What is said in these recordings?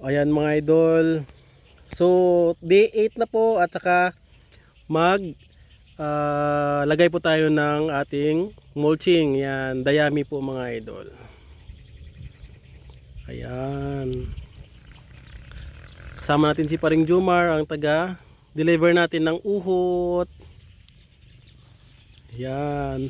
Ayan mga idol. So day 8 na po at saka lagay po tayo ng ating mulching. Yan, dayami po mga idol. Ayan. Kasama natin si Paring Jumar, ang taga deliver natin ng uhot. Ayan.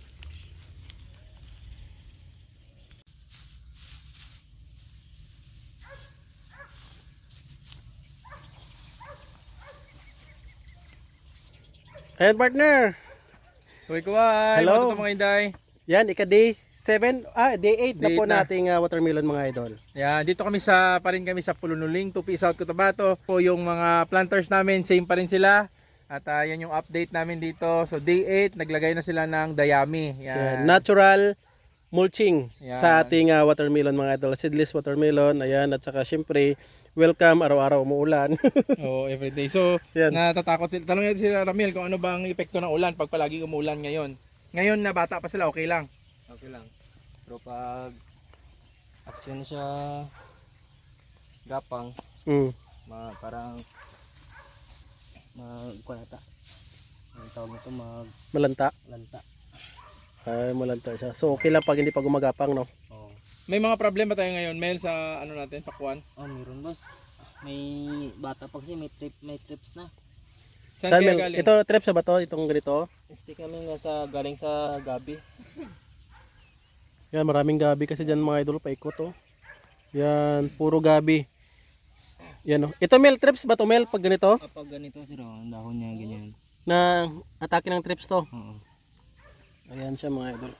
Ayan partner. Kuy-kuy, Hello. matuto mga Inday. Yan, day 7, day 8 na Day po 8 na. nating watermelon mga idol. Yan, dito kami pa rin kami sa Pulunuling, Tupi, South Cotabato. Po yung mga planters namin, same pa rin sila. At yan yung update namin dito. So day 8, naglagay na sila ng dayami. Yan, Yan. natural mulching Yan. sa ating watermelon mga idol. Seedless watermelon. Ayan, at saka syempre, welcome, araw-araw umuulan. Oh, everyday. So, Yan. natatakot sila. Tanong natin sila Ramil kung ano bang epekto ng ulan pag palaging umuulan ngayon. Ngayon na bata pa sila, okay lang. Okay lang. Pero pag action siya gapang, Mm. parang magkunata. Ang tawag nito Malanta. maglanta. Ay, malanta siya. So okay lang pag hindi pa gumagapang, no? Oh. May mga problema tayo ngayon, Mel, sa ano natin, pakwan. Oh, meron boss. May bata pa kasi may trips na. Saan kaya Mel? galing? Ito, trips ba to? Itong ganito? Speak kami nga galing sa gabi. Yan, maraming gabi kasi dyan mga idol, paikot, oh. Yan, puro gabi. Yan, oh. Ito Mel, trips ba to Mel pag ganito? Kapag ganito sir, ang dahon niya ganyan. Na atake ng trips to. Oo. Ayan siya mga idol.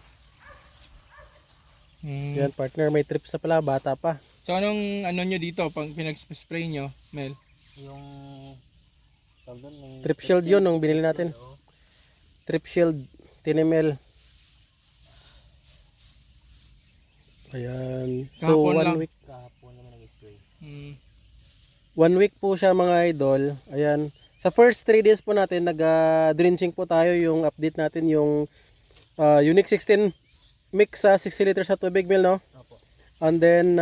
Hmm. Yan, partner, may trips na pala, bata pa. So anong ano nyo dito pag pinag-spray nyo, Mel? Yung tawag doon, yung Trip shield yun, nung binili natin. Oo. Trip shield, 10 ml. Ayan. So, Kahapon lang. 1 week. Kahapon naman nag-spray. Hmm. 1 week po siya mga idol. Ayan. Sa first 3 days po natin, nag-drenching po tayo. Yung update natin, yung Unique 16 mix sa 60 liters sa tubig mil, no? Opo. And then,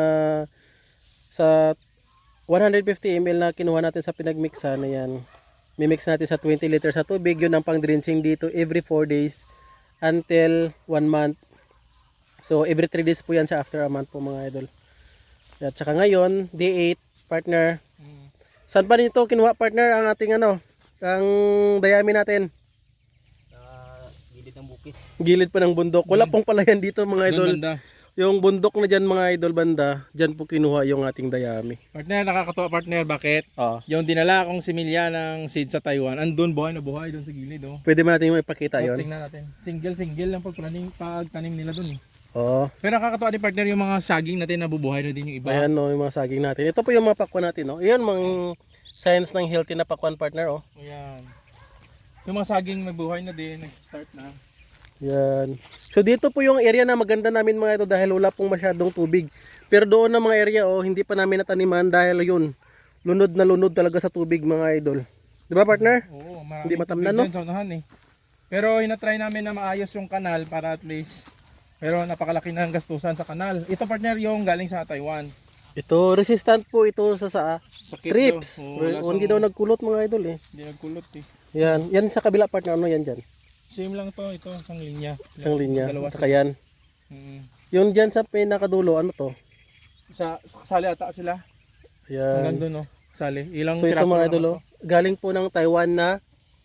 sa 150 ml na kinuha natin sa pinagmixan, ayan. Mimix natin sa 20 liters sa tubig. Yun ang pang-drenching dito every 4 days until 1 month. So, every 3 days po yan sa after a month po mga idol. At saka ngayon, day 8, partner. Hmm. Saan pa nito kinuha partner ang ating ang dayami natin? Sa gilid ng bukid. Gilid pa ng bundok. Wala pong palayan dito mga idol. Doon banda. Yung bundok na dyan mga idol banda, dyan po kinuha yung ating dayami. Partner, nakakatuwa partner, bakit? Ah, Yung dinala akong similya ng seed sa Taiwan, andun buhay na buhay doon sa gilid, oh. pwede ba natin yung ipakita So, yon? tingnan natin. Single lang pagtanim nila doon, eh. Oo. Pero nakakatuwa din partner yung mga saging natin nabubuhay na din yung iba. Ayan no, yung mga saging natin. Ito po yung mga pakwan natin, no. Ayan mga science ng healthy na pakwan partner, oh. Ayan. Yung mga saging nabuhay na din, nag-start na. Yan. So dito po yung area na maganda namin mga ito dahil wala pong masyadong tubig. Pero doon na mga area hindi pa namin nataniman dahil yun, lunod na lunod talaga sa tubig mga idol. Di ba partner? Oo, marami Hindi matamnan, no? sa unahan, eh. Pero hinatry namin na maayos yung kanal para at least, pero napakalaki na ang gastusan sa kanal. Ito partner yung galing sa Taiwan. Ito, resistant po ito sa Sakit trips. daw. Oo, Hindi daw nagkulot mga idol eh. Hindi nagkulot, eh. Yan, yan sa kabila partner, ano yan dyan? Same lang to, ito, isang linya. Isang linya. Dalawa. At saka yan. Mm. Yung dyan sa pinakadulo, ano to? Sa kasali ata sila. Yan. Hanggang doon, no? Sali. Ilang So ito piraso mga lang idol, naman galing po ng Taiwan na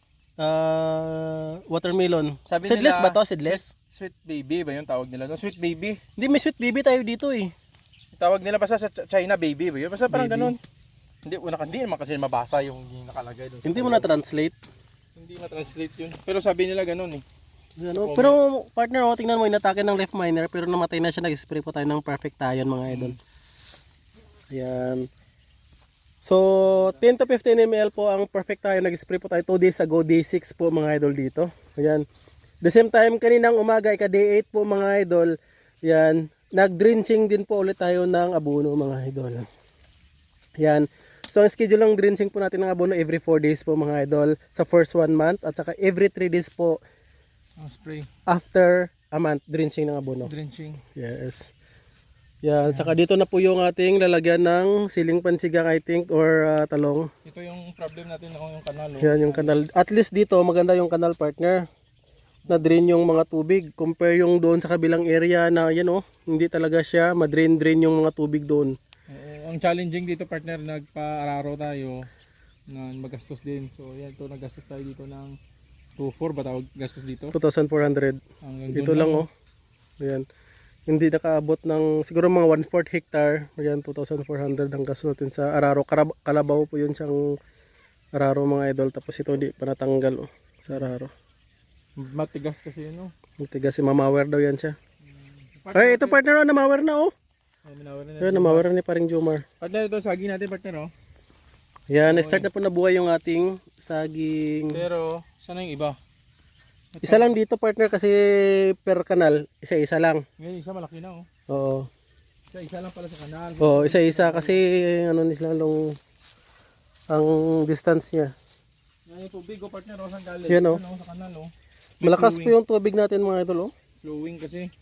watermelon. Sabi Seedless nila, ba to? Seedless? Sweet baby ba yung tawag nila? No, sweet baby. Hindi, may sweet baby tayo dito eh. Tawag nila basta sa China baby ba yun? Basta parang Baby. ganun. Hindi naman kasi mabasa yung nakalagay doon. Hindi mo na-translate. Hindi na-translate yun. Pero sabi nila ganun, eh. Ano, pero partner, tingnan mo, inatake ng left minor pero namatay na siya. Nag-spray po tayo ng perfect tayon mga idol. Ayan. So, 10 to 15 ml po ang perfect tayo. Nag-spray po tayo 2 days ago, day 6 po mga idol dito. Ayan. The same time, kaninang umaga, day 8 po mga idol. Ayan. Nag-drenching din po ulit tayo ng abono mga idol. Ayan. So, ang schedule ng drenching po natin ng abono every 4 days po mga idol sa first 1 month at saka every 3 days po Spray. after a month drenching ng abono. Drenching. Yes. Yan, tsaka dito na po yung ating lalagyan ng siling pansigang I think or talong. Ito yung problem natin no, yung kanal. Oh. Yan yung kanal. At least dito maganda yung kanal partner. Na drain yung mga tubig compare yung doon sa kabilang area na yan oh, hindi talaga siya ma-drain yung mga tubig doon. Ang challenging dito partner, nagpa-araro tayo na magastos din. So yan to, nagastos tayo dito ng 2.4 ba tawag gastos dito? 2,400. Hanggang Dito doon lang oh. Ayan. Hindi nakaabot ng siguro mga 1/4 hectare. Ayan 2,400 ang gastos natin sa araro. Kalabaw po yun siyang araro mga idol. Tapos ito hindi pa natanggal oh, sa araro. Matigas kasi yun oh. Ang tigas si mamawer daw yan siya. Ay ito partner oh, namawer na oh. Ayan namawer ni paring Jomar. Partner, ito saging natin partner oh. Yan, na-start na po nabuhay yung ating saging. Pero saan yung iba? Isa lang dito partner kasi per kanal, isa-isa lang. Ngayon isa malaki na oh. Oo. Isa lang pala sa kanal. Oo, isa-isa kasi ano nila long ang distance niya. Yan yung tubig oh partner oh, saan galing? Yan, oh. Ano, sa kanal oh. Malakas po yung tubig natin mga idol oh. Flowing kasi.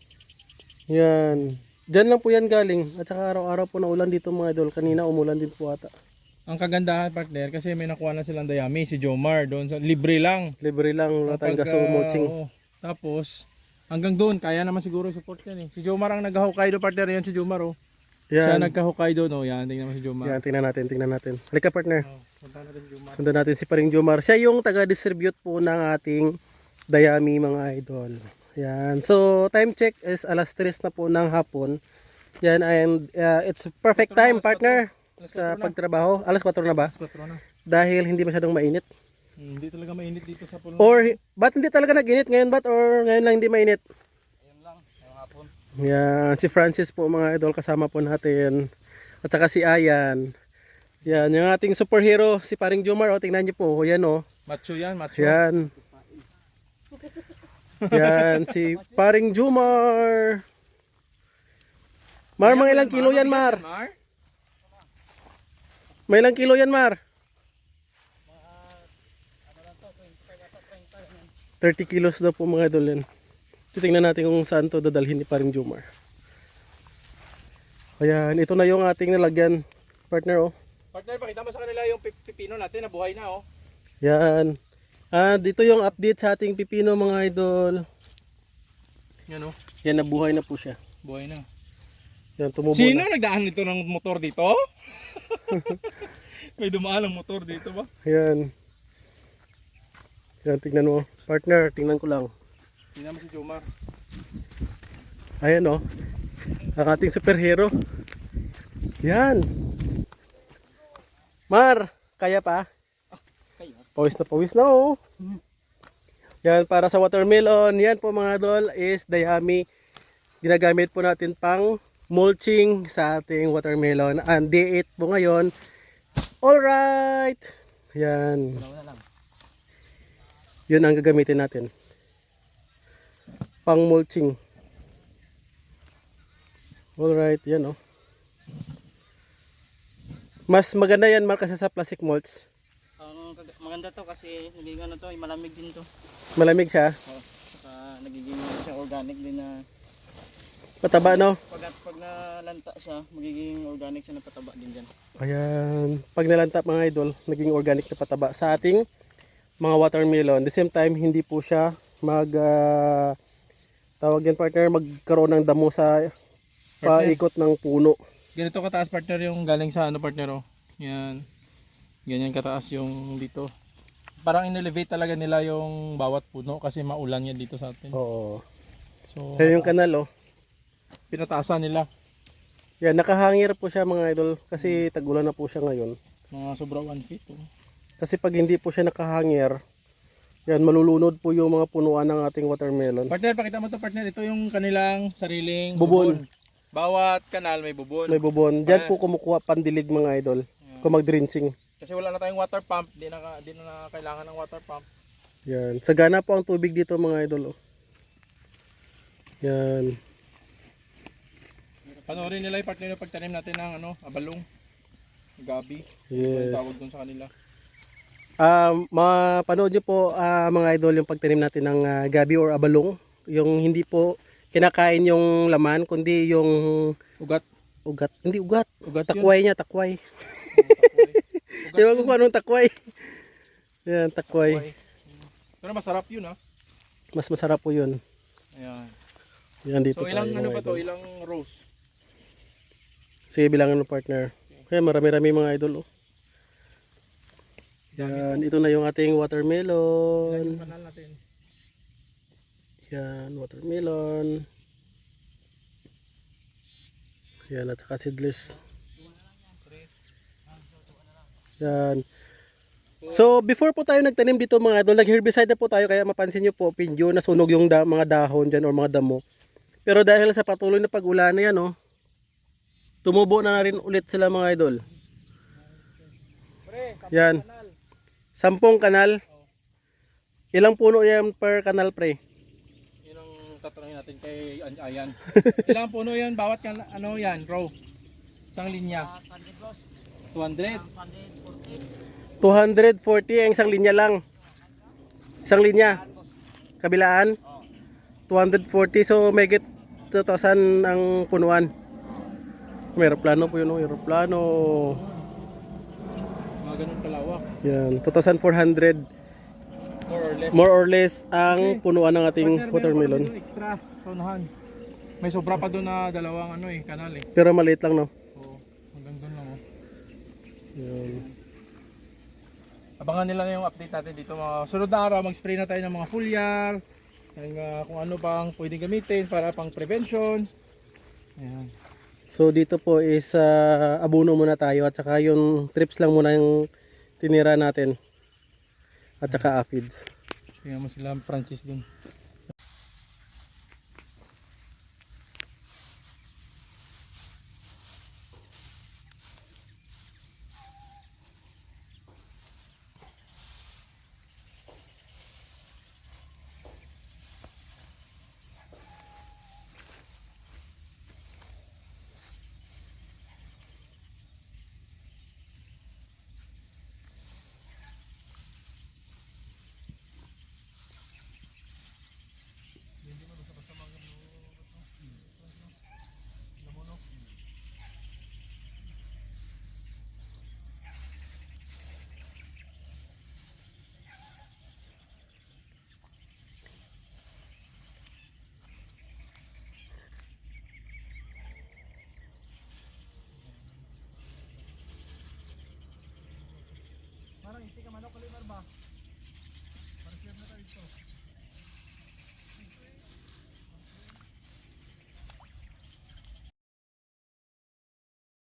Yan. Diyan lang po yan galing. At saka araw-araw po na ulan dito mga idol. Kanina umulan din po ata. Ang kagandahan partner kasi may nakuha na silang dayami si Jomar doon sa libre lang. Libre lang wala tayong gaso mulching. Oo. Tapos hanggang doon kaya naman siguro support yan eh. Si Jomar ang nag-Hokkaido partner yan si Jomar oh. Siya Yan. nagka-Hokkaido no. Yan tingnan mo si Jomar. Yan, tingnan natin. Halika partner. Oh, punta natin si Jomar. Sundan natin si paring Jomar. Siya yung taga-distribute po ng ating dayami mga idol. Yan. So time check is alas 3 na po ng hapon. Yan and it's perfect time partner sa pagtrabaho. Alas 4 na ba? Alas 4 na. Dahil hindi masyadong mainit. Hindi talaga mainit dito sa pulo. Or ba't hindi talaga nag-init ngayon ba't or ngayon lang hindi mainit? Ayun lang, ngayong hapon. Yan, si Francis po mga idol kasama po natin. At saka si Ayan. Yan, yung ating superhero si paring Jomar. O, tingnan niyo po. O, yan o. Macho yan, macho. Yan. Yan, si paring Jomar. Mar, mga ilang kilo yan, Mar? May ilang kilo yan, Mar? 30 kilos daw po mga idol yan. Titingnan natin kung saan to dadalhin ni paring Jomar. Ayan, ito na yung ating nalagyan, partner oh. Partner, pakita mo sa kanila yung pipino natin na buhay na oh. Yan. Dito yung update sa ating pipino mga idol. Yan oh, Yan, nabuhay na po siya. buhay na. Yan, tumubo Sino na. nagdaan nito ng motor dito? May dumaan ng motor dito ba? Yan. Yan, tingnan mo. Partner, tingnan ko lang. Tingnan mo si Jomar. Ayan oh. Ang ating superhero. Yan. Mar, kaya pa? Pawis na oh. Yan, para sa watermelon. Yan po mga idol is dayami. Ginagamit po natin pang mulching sa ating watermelon. And day 8 po ngayon. Alright. Yan. Yun ang gagamitin natin. Pang mulching. Alright, yan oh. Mas maganda yan Mark kasi sa plastic mulch. Maganda to kasi nagiging ano to, malamig din to. Malamig siya. Oh, saka nagiging siya organic din na Pataba no? pag nalanta siya, magiging organic siya na pataba din diyan. Ayan. Pag nalanta mga idol, naging organic na pataba sa ating mga watermelon. The same time, hindi po siya tawag yan partner, magkaroon ng damo sa paikot ng puno. Ganito kataas partner yung galing sa ano partner oh. Yan. Ganyan kataas yung dito. Parang in-elevate talaga nila yung bawat puno kasi maulan yan dito sa atin. Oo. So, Kaya yung kanal oh. pinataasan nila. Yan, nakahangir po siya mga idol kasi tag-ulan na po siya ngayon. Mga sobra 1 feet oh. Kasi pag hindi po siya nakahangir, yan, malulunod po yung mga punuan ng ating watermelon. Partner, pakita mo to partner. Ito yung kanilang sariling Bubon. Bawat kanal may bubon. May bubon. Diyan po kumukuha pandilig mga idol. Kung mag-drenching. Kasi wala na tayong water pump. Di na kailangan ng water pump. Yan. Sagana po ang tubig dito mga idol. Oh. Yan. Panoorin nila yung partner yung pagtanim natin ng abalong. Gabi. Yes. Tawag dun sa kanila. Mapanood nyo po mga idol yung pagtanim natin ng gabi or abalong. Yung hindi po kinakain yung laman, kundi yung Ugat. ugat. Hindi ugat. Ugat yun. Takway niya, takway. Ugat Ewan ko yun. kung anong takway. Yan, takway. Okay. Pero masarap yun ha. Mas masarap po yun. Ayan. Yan dito So ilang tayo, ano mga ba to? idol. Ilang rows? Sige, bilangan ng partner. Kaya marami-rami mga idol. Oh. Yan, ito na yung ating Ilan watermelon. yung kanal natin? Yan, watermelon. Yan, at saka seedless. Yan. So, before po tayo nagtanim dito mga idol, nag-herbicide na po tayo kaya mapansin nyo po, pinjo, nasunog yung mga dahon dyan or mga damo. Pero dahil sa patuloy na pag-ulan na yan, oh, tumubo na rin ulit sila mga idol. Yan. 10 kanal. Ilang puno yan per kanal, pre? Yun ang tatanungin natin kay Ayan. Ilang puno yan? Bawat ano yan? Row? Isang linya? 200? 240 ang isang linya lang. Isang linya. Kabilaan. 240, so may get 2,000 ang punuan. May aeroplano po yun, oh, aeroplano. Mga ganun kalawak. Yan, 2,400 More or less. more or less ang Okay. punuan ng ating Partner, meron pa watermelon. kasi doon extra sa unahan. May sobra pa doon na dalawang ano kanal eh. Pero maliit lang, no? Oo, hanggang doon lang oh. Yan. Abangan nila na yung update natin dito mga sunod na araw. Mag-spray na tayo ng mga foliar, ng kung ano pang pwedeng gamitin para pang prevention. Ayan. So dito po is abono muna tayo at saka yung trips lang muna yung tinira natin. At saka aphids. Tingnan mo sila Francis doon. Parang hindi ka manok kalimar ba? Parang siya na tayo ito.